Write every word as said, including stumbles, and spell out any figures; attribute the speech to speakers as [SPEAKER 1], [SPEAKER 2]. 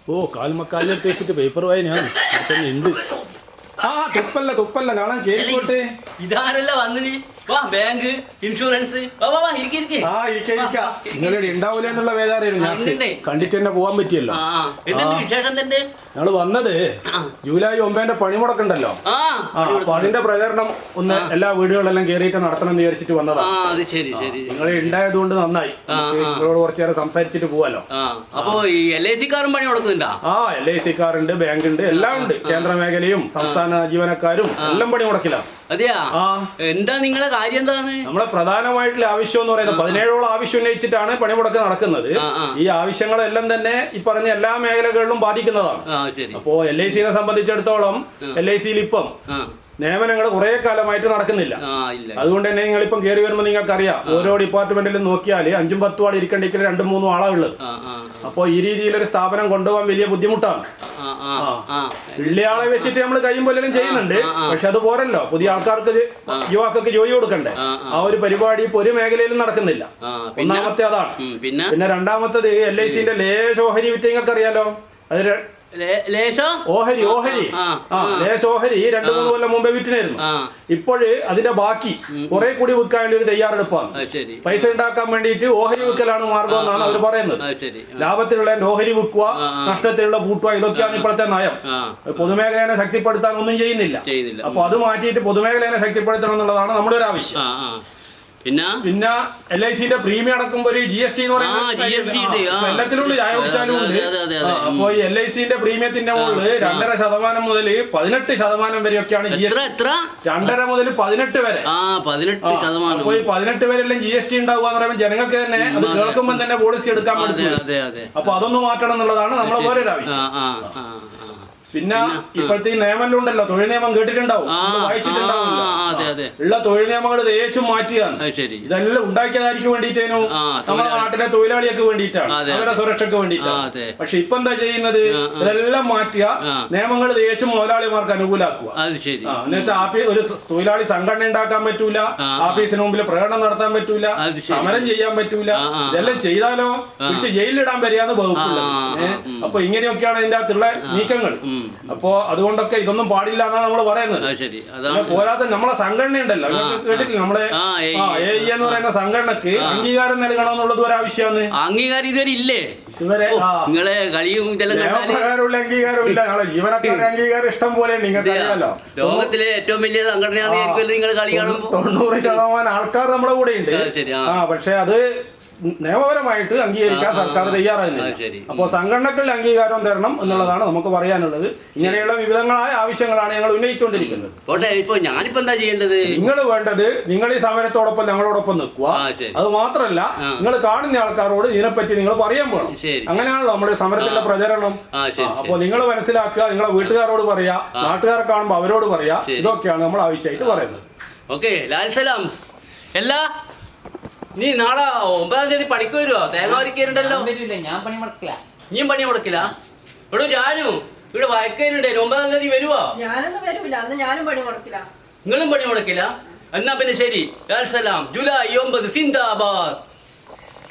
[SPEAKER 1] ഓ കാൽമക്കാലിലെടുത്ത് വെച്ചിട്ട് പേപ്പർ വായനയാണ് തന്നെ ഉണ്ട്. ആ തുപ്പല്ല തുപ്പല്ല കാണാൻ കേൾക്കോട്ടെ.
[SPEAKER 2] ഇതാരല്ല വന്നിനി വാ ബാങ്ക് ഇൻഷുറൻസ്
[SPEAKER 1] ആ ഇരിക്ക ഇരിക്ക നിങ്ങളിവിടെ ഉണ്ടാവൂല എന്നുള്ള വേദാറായിരുന്നു ഞാൻ കണ്ടിട്ട് തന്നെ പോവാൻ പറ്റിയല്ലോ.
[SPEAKER 2] വിശേഷം തന്നെ
[SPEAKER 1] ഞങ്ങള് വന്നത് ജൂലൈ ഒമ്പതിന്റെ പണിമുടക്കുണ്ടല്ലോ. അപ്പൊ അതിന്റെ പ്രചരണം ഒന്ന് എല്ലാ വീടുകളെല്ലാം കയറിയിട്ട് നടത്തണം എന്ന് വിചാരിച്ചിട്ട് വന്നതാണ്. നിങ്ങൾ ഉണ്ടായത് കൊണ്ട് നന്നായി. നിങ്ങളോട് കുറച്ചു നേരം സംസാരിച്ചിട്ട് പോവാലോ.
[SPEAKER 2] അപ്പൊ ഈ എൽ ഐ സി കാറും പണി കൊടുക്കുന്നുണ്ടോ?
[SPEAKER 1] ആ എൽ ഐ സി കാറുണ്ട്, ബാങ്ക് ഉണ്ട്, എല്ലാം ഉണ്ട്. കേന്ദ്ര മേഖലയും സംസ്ഥാന ജീവനക്കാരും എല്ലാം പണി മുടക്കില്ല.
[SPEAKER 2] അതെയാ എന്താ നിങ്ങളെ കാര്യം എന്താണ്?
[SPEAKER 1] നമ്മളെ പ്രധാനമായിട്ടുള്ള ആവശ്യം എന്ന് പറയുന്നത് പതിനേഴോളം ആവശ്യം ഉന്നയിച്ചിട്ടാണ് പണിമുടക്ക് നടക്കുന്നത്. ഈ ആവശ്യങ്ങളെല്ലാം തന്നെ ഈ പറഞ്ഞ എല്ലാ മേഖലകളിലും ബാധിക്കുന്നതാണ്. അപ്പോ എൽ ഐ സിനെ സംബന്ധിച്ചിടത്തോളം എൽ ഐ സിയിൽ ഇപ്പം നിയമനങ്ങൾ കുറെ കാലമായിട്ട് നടക്കുന്നില്ല. അതുകൊണ്ട് തന്നെ നിങ്ങൾ ഇപ്പം കയറി വരുമ്പോൾ നിങ്ങൾക്ക് അറിയാം, ഓരോ ഡിപ്പാർട്ട്മെന്റിലും നോക്കിയാൽ അഞ്ചും പത്തും ആൾ ഇരിക്കണ്ടെങ്കിൽ രണ്ടും മൂന്നും ആളാ ഉള്ളത്. അപ്പോൾ ഈ രീതിയിലൊരു സ്ഥാപനം കൊണ്ടുപോകാൻ വലിയ ബുദ്ധിമുട്ടാണ്. ഉള്ള ആളെ വെച്ചിട്ട് നമ്മൾ കയ്യും പോലും ചെയ്യുന്നുണ്ട്. പക്ഷെ അത് പോരല്ലോ, പുതിയ ആൾക്കാർക്ക് യുവാക്കൾക്ക് ജോലി കൊടുക്കണ്ടേ. ആ ഒരു പരിപാടി ഇപ്പൊ ഒരു മേഖലയിലും നടക്കുന്നില്ല. ഒന്നാമത്തെ അതാണ്. പിന്നെ രണ്ടാമത്തത് എൽ ഐ സിന്റെ ലേശോഹരി വിറ്റ് നിങ്ങൾക്ക് അറിയാലോ. അത് ഓഹരി ഓഹരി ആ ലേശ ഓഹരി രണ്ടു മൂന്ന് കൊല്ലം മുമ്പേ വിറ്റിനായിരുന്നു. ഇപ്പോഴ് അതിന്റെ ബാക്കി കുറെ കൂടി വിൽക്കാൻ വേണ്ടി ഒരു തയ്യാറെടുപ്പാണ്. പൈസ ഉണ്ടാക്കാൻ വേണ്ടിയിട്ട് ഓഹരി വിൽക്കലാണ് മാർഗം എന്നാണ് അവർ പറയുന്നത്. ലാഭത്തിലുള്ള ഓഹരി വിൽക്കുക, നഷ്ടത്തിലുള്ള പൂട്ടുക, ഇതൊക്കെയാണ് ഇപ്പോഴത്തെ നയം. പൊതുമേഖലയെ ശക്തിപ്പെടുത്താൻ ഒന്നും ചെയ്യുന്നില്ല. അപ്പൊ അത് മാറ്റിയിട്ട് പൊതുമേഖലയെ ശക്തിപ്പെടുത്തണം എന്നുള്ളതാണ് നമ്മുടെ ഒരു ആവശ്യം.
[SPEAKER 2] പിന്നെ
[SPEAKER 1] പിന്നെ എൽ ഐ സിന്റെ പ്രീമിയം അടക്കുമ്പോ ഒരു ജി എസ് ടി എന്ന് പറയുന്നത് എല്ലാത്തിലും ചായ ഉണ്ട്. അപ്പൊ ഈ എൽ ഐ സിന്റെ പ്രീമിയത്തിന്റെ മുകളിൽ രണ്ടര ശതമാനം മുതൽ പതിനെട്ട് ശതമാനം വരെയൊക്കെയാണ് ജി എസ് ടി. രണ്ടര മുതൽ പതിനെട്ട് വരെ അപ്പൊ ഈ പതിനെട്ട് വരെല്ലാം ജി എസ് ടി ഉണ്ടാവുക എന്ന് പറയുമ്പോൾ ജനങ്ങൾക്ക് തന്നെ അത് കേൾക്കുമ്പോൾ തന്നെ പോളിസി എടുക്കാൻ പറ്റും. അപ്പൊ അതൊന്ന് മാറ്റണം എന്നുള്ളതാണ് നമ്മളെ പോലെ ഒരു ആവശ്യം. പിന്നെ ഇപ്പോഴത്തെ ഈ നിയമം ഉണ്ടല്ലോ, തൊഴിൽ നിയമം കേട്ടിട്ടുണ്ടാവും, വായിച്ചിട്ടുണ്ടാവും. ഉള്ള തൊഴിൽ നിയമങ്ങൾ തേച്ചും മാറ്റുകയാണ്. ഇതെല്ലാം ഉണ്ടാക്കിയതായിരിക്കും വേണ്ടിയിട്ടേനു നമ്മുടെ നാട്ടിലെ തൊഴിലാളികൾക്ക് വേണ്ടിയിട്ടാണ്, അവരുടെ സുരക്ഷയ്ക്ക് വേണ്ടിയിട്ടാണ്. പക്ഷെ ഇപ്പൊ എന്താ ചെയ്യുന്നത്, ഇതെല്ലാം മാറ്റുക, നിയമങ്ങൾ തേച്ചും മുതലാളിമാർക്ക് അനുകൂലാക്കുക. എന്നുവെച്ചാൽ ഒരു തൊഴിലാളി സംഘടന ഉണ്ടാക്കാൻ പറ്റൂല, ആഫീസിന് മുമ്പിൽ പ്രകടനം നടത്താൻ പറ്റൂല, സമരം ചെയ്യാൻ പറ്റൂല. ഇതെല്ലാം ചെയ്താലോ പിടിച്ച് ജയിലിലിടാൻ വരികയാണ് വകുപ്പുള്ളത്. അപ്പൊ ഇങ്ങനെയൊക്കെയാണ് ഇതിന്റെ അകത്തുള്ള നീക്കങ്ങൾ. അപ്പോ അതുകൊണ്ടൊക്കെ ഇതൊന്നും പാടില്ല എന്നാണ് നമ്മൾ പറയുന്നത്. പോരാതെ നമ്മളെ സംഘടന ഉണ്ടല്ലോ, കേട്ടിട്ടില്ല, നമ്മുടെ എ ഇ എന്ന് പറയുന്ന സംഘടനക്ക് അംഗീകാരം നൽകണമെന്നുള്ളത് ഒരു ആവശ്യമാണ്.
[SPEAKER 2] അംഗീകാരം ഇതുവരെ ഇല്ലേ? ഇതുവരെ നിങ്ങളെ കളിയും
[SPEAKER 1] അംഗീകാരം ഇല്ല. ഞങ്ങളെ ജീവനക്കാരുടെ അംഗീകാരം ഇഷ്ടം പോലെ നിങ്ങൾക്ക് അറിയാലോ.
[SPEAKER 2] ലോകത്തിലെ ഏറ്റവും വലിയ സംഘടനയാണ് നിങ്ങൾ കളി കാണുമ്പോൾ
[SPEAKER 1] തൊണ്ണൂറ് ശതമാനം ആൾക്കാർ നമ്മുടെ കൂടെ ഉണ്ട്. ആ പക്ഷെ അത് നിയമപരമായിട്ട് അംഗീകരിക്കാൻ സർക്കാർ തയ്യാറാകുന്നില്ല. അപ്പോൾ സംഘടനകളുടെ അംഗീകാരം തരണം എന്നുള്ളതാണ് നമുക്ക് പറയാനുള്ളത്. ഇങ്ങനെയുള്ള വിവിധങ്ങളായ ആവശ്യങ്ങളാണ് ഞങ്ങൾ ഉന്നയിച്ചുകൊണ്ടിരിക്കുന്നത്.
[SPEAKER 2] ഞാനിപ്പോ എന്താ ചെയ്യേണ്ടത്?
[SPEAKER 1] നിങ്ങൾ വേണ്ടത് നിങ്ങൾ ഈ സമരത്തോടൊപ്പം ഞങ്ങളോടൊപ്പം നിൽക്കുക. അത് മാത്രമല്ല, നിങ്ങൾ കാണുന്ന ആൾക്കാരോട് ഇതിനെപ്പറ്റി നിങ്ങൾ പറയാൻ പോകണം. അങ്ങനെയാണല്ലോ നമ്മുടെ സമരത്തിന്റെ പ്രചരണം. അപ്പോൾ നിങ്ങൾ മനസ്സിലാക്കുക, നിങ്ങളെ വീട്ടുകാരോട് പറയാ, നാട്ടുകാരെ കാണുമ്പോൾ അവരോട് പറയാ. ഇതൊക്കെയാണ് നമ്മൾ ആവശ്യമായിട്ട് പറയുന്നത്.
[SPEAKER 2] ഓക്കെ, ലാൽ സലാം. എല്ലാ നീ നാളെ ഒമ്പതാം തീയതി പണിക്ക് വരുവോ? തേങ്ങ വരിക്കലുണ്ടല്ലോ.
[SPEAKER 3] ഞാൻ പണി മുടക്കില്ല.
[SPEAKER 2] നീ പണി മുടക്കില്ല? ഇവിടെ ജാനു ഇവിടെ വയക്കലുണ്ടേ, ഒമ്പതാം തീയതി വരുവോ?
[SPEAKER 4] ഞാനൊന്നും വരൂല, അന്ന് ഞാനും പണി മുടക്കില്ല.
[SPEAKER 2] നിങ്ങളും പണി മുടക്കില്ല? എന്നാ പിന്നെ ശരി. ലാൽ സലാം. ജൂലൈ ഒമ്പത് സിന്ദാബാദ്.